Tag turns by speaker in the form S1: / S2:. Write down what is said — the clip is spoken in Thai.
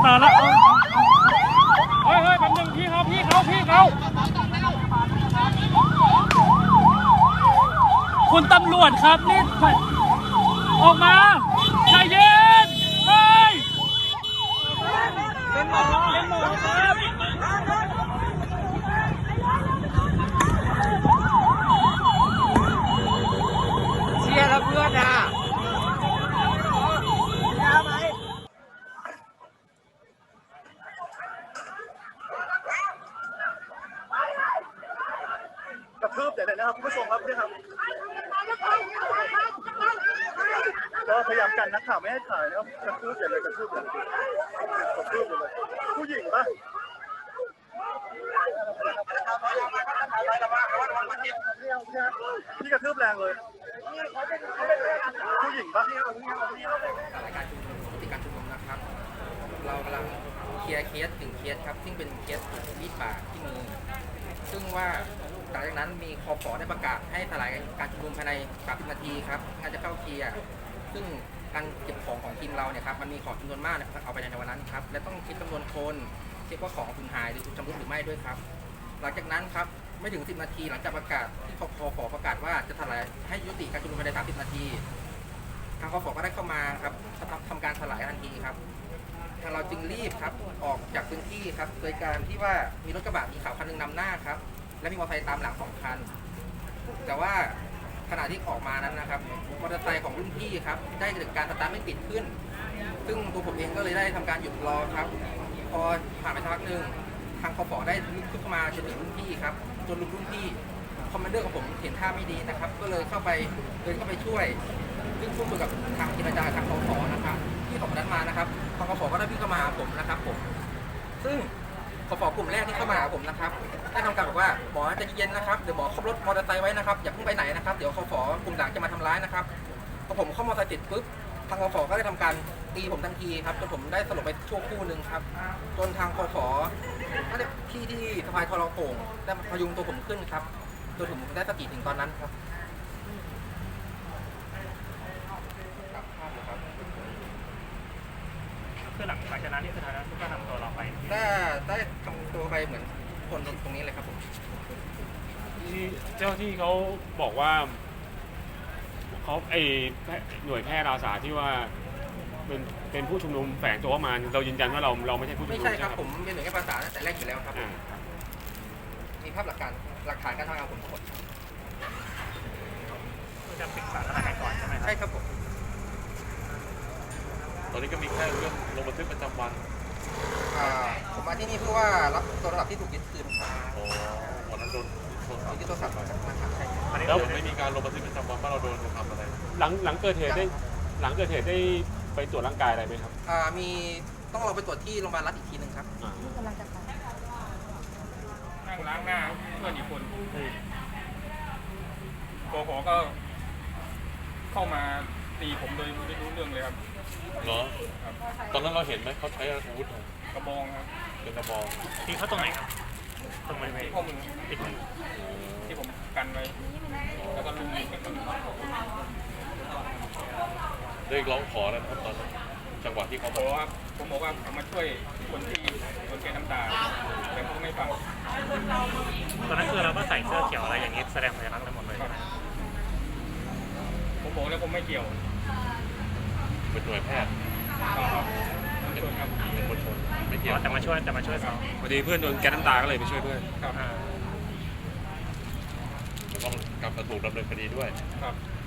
S1: มาแล้วเฮ้ยแป๊บนึงพี่เขาคุณตำรวจครับนี่ออกมาใจเย็นเฮ้ยเป็นหมอครับ
S2: เชียร์แล้วเพื่อนอ่ะ
S3: กระทืบใหญ่เลยนะครับคุณผู้ชมครับนี่ครับก็พยายามกันนักข่าวไม่ให้ถ่ายนะครับกระทืบใหญ่เลยกระทืบเลยผู้หญิงปะพี่กระทืบแรงเลยผู้หญิงปะ
S2: รายการชุมนุมปฏิการชุมนุมนะครับ เรากำลังเคลียร์เคส1 เคสครับซึ่งเป็นเคสมีดบาดที่มือซึ่งว่าหลังจากนั้นมีคผ.ได้ประกาศให้สลายการชุมนุมภายใน30 นาทีครับงานจะเข้าเคลียร์ซึ่งการเก็บของทีมเราเนี่ยครับมันมีของจำนวนมากนะครับเอาไปในวันนั้นครับและต้องคิดจำนวนคนเช็คว่าของสูญหายหรือถูกชำรุดหรือไม่ด้วยครับหลังจากนั้นครับไม่ถึง10 นาทีหลังจากประกาศที่คผ.ประกาศว่าจะสลายให้ยุติการชุมนุมภายใน30 นาทีทางคผ.ก็ได้เข้ามาครับทำการสลายทันทีครับทางเราจึงรีบครับออกจากพื้นที่ครับโดยการที่ว่ามีรถกระบะสีขาวคันนึงนำหน้าครับและมีมอเตอร์ไซค์ตามหลัง2 คันแต่ว่าขณะที่ออกมานั้นนะครับมอเตอร์ไซค์ของรุ่นพี่ครับได้เกิดการสตาร์ทไม่ติดขึ้นซึ่งตัวผมเองก็เลยได้ทำการหยุดรอครับพอผ่านไปสักพักหนึ่งทางคผ.ได้ลุกขึ้นมาจนถึงรุ่นพี่ครับจนรุ่นพี่คอมมานเดอร์ของผมเห็นท่าไม่ดีนะครับก็เลยเดินเข้าไปช่วยซึ่งพูดคุยกับทางเจรจาทางคผ.นะครับที่ของนั้นมานะครับทางคผ.ก็ได้วิ่งเข้ามาหาผมนะครับผมซึ่งคผ.กลุ่มแรกที่เข้ามาหาผมนะครับได้ทำการบอกว่าหมอใจเย็นนะครับเดี๋ยวหมอขับรถมอเตอร์ไซค์ไว้นะครับอย่าเพิ่งไปไหนนะครับเดี๋ยวคผ.กลุ่มหลังจะมาทำร้ายนะครับพอผมเข้ามอเตอร์ไซค์ติดปุ๊บทางคผ.ก็ได้ทำการตีผมทันทีครับจนผมได้สลบไปชั่วครู่หนึ่งครับจนทางคผ.ก็ได้พี่ที่สะพายทรโข่งได้พยุงตัวผมขึ้นครับจนผมได้สติถึงตอนนั้นครับ
S1: คือหลังจากนั้นนี่คือทางนั้นก็นำตัวเราไป
S2: ได้ทำตัวไปเหมือนคนตรงนี้เลยครับผม
S1: ที่เจ้าที่เขาบอกว่าเขาหน่วยแพทย์อาสาที่ว่าเป็นผู้ชุมนุมแฝงตัวมาเรายืนยันว่าเราไม่ใช่ผู้ชุมนุม
S2: ไม่ใช่ครับผมเป็นหน่วยแพทย์อาสาแต่แรกอยู่แล้วครับมีภาพหลักฐานการทำงานผมทั้งหมด
S1: จะปิดสถานการณ์ก่อนใช่ไหม
S2: ใช่ครับผม
S4: ตอนนี้ก็มีแค่เรื่องลงบันทึกประจำวัน
S2: ผมมาที่นี่เพื่อว่ารับโทรศัพท์ที่ถูกยึดคืนครับ
S4: วันนั้นโดน
S2: ยึดโทรศัพท์นะครับใช่
S4: แล้วไม่มีการลงบันทึกประจำวันว่าเราโดนทำอะไร
S1: หลังเกิดเหตุได้ไปตรวจร่างกายอะไรไหมครับ
S2: มีต้องเราไปตรวจที่โรงพยาบาลรัฐอีกทีนึงครับ
S5: กำลังจะไป
S1: นั่งล้างหน้าเพื่อนอีกคนคผ.ก็เข้ามาตีผมโดยไม่รู้เรื่องเลยครับ
S4: เหรอตอนนั้นเราเห็นไหมเขาใช้อาวุธ
S1: กระบองครับ
S4: เป็นกระบอง
S1: ที่เขาตรงไหนครับตรงบริเวณข้อมือติดมือที่ผมกันไว้แล้วก็ลุมกัน
S4: ได้ร้องขอแล้วครับตอนจังหวะที่เขา
S1: บอกว่าผมบอกว่าผมมาช่วยคนที่โดนแกน้ำตาแต่เขาไม่ฟังตอนนั้นคือเราก็ใส่เสื้อเขียวอะไรอย่างนี้แสดงสัญลักษณ์ทั้งหมดเลยผมบอกแล้วผมไม่เกี่ยว
S4: เป็นหน่วยแพทย์เป็นคนชนไม่เกี่ยว
S1: แต่มาช่วยเขาพอดีเพื่อนโดนแก๊สน้ำตาก็เลยไปช่วยเพื่อน
S4: แล้วก็กลับมาถูกดำเนินคดีด้วย
S1: ครับ